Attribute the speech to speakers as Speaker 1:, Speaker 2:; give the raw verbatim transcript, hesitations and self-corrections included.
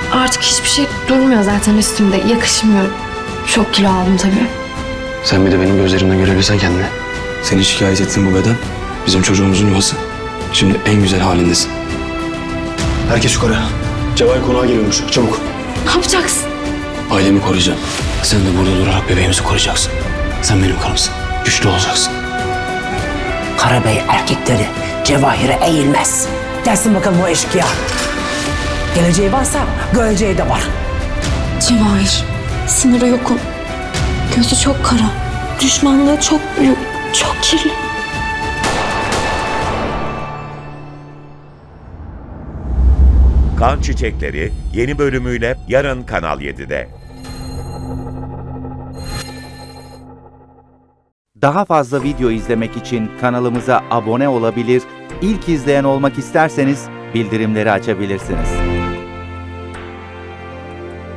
Speaker 1: Artık hiçbir şey durmuyor zaten üstümde. Yakışmıyor. Çok kilo aldım tabii.
Speaker 2: Sen bir de benim gözlerimden görebilsen kendini. Seni şikayet ettiğin bu beden bizim çocuğumuzun yuvası. Şimdi en güzel halindesin. Herkes yukarı. Cevahir konağa geliyormuş. Çabuk.
Speaker 1: Ne yapacaksın?
Speaker 2: Ailemi koruyacağım. Sen de burada durarak bebeğimizi koruyacaksın. Sen benim karımsın. Güçlü olacaksın.
Speaker 3: Karabey erkekleri Cevahir'e eğilmez. Gelsin bakalım o eşkıya. Geleceği varsa göreceği de var.
Speaker 1: Cevahir, sınırı yokum. Gözü çok kara. Düşmanlığı çok büyük. Çok kirli.
Speaker 4: Kan Çiçekleri yeni bölümüyle yarın Kanal yedide.
Speaker 5: Daha fazla video izlemek için kanalımıza abone olabilir, ilk izleyen olmak isterseniz bildirimleri açabilirsiniz.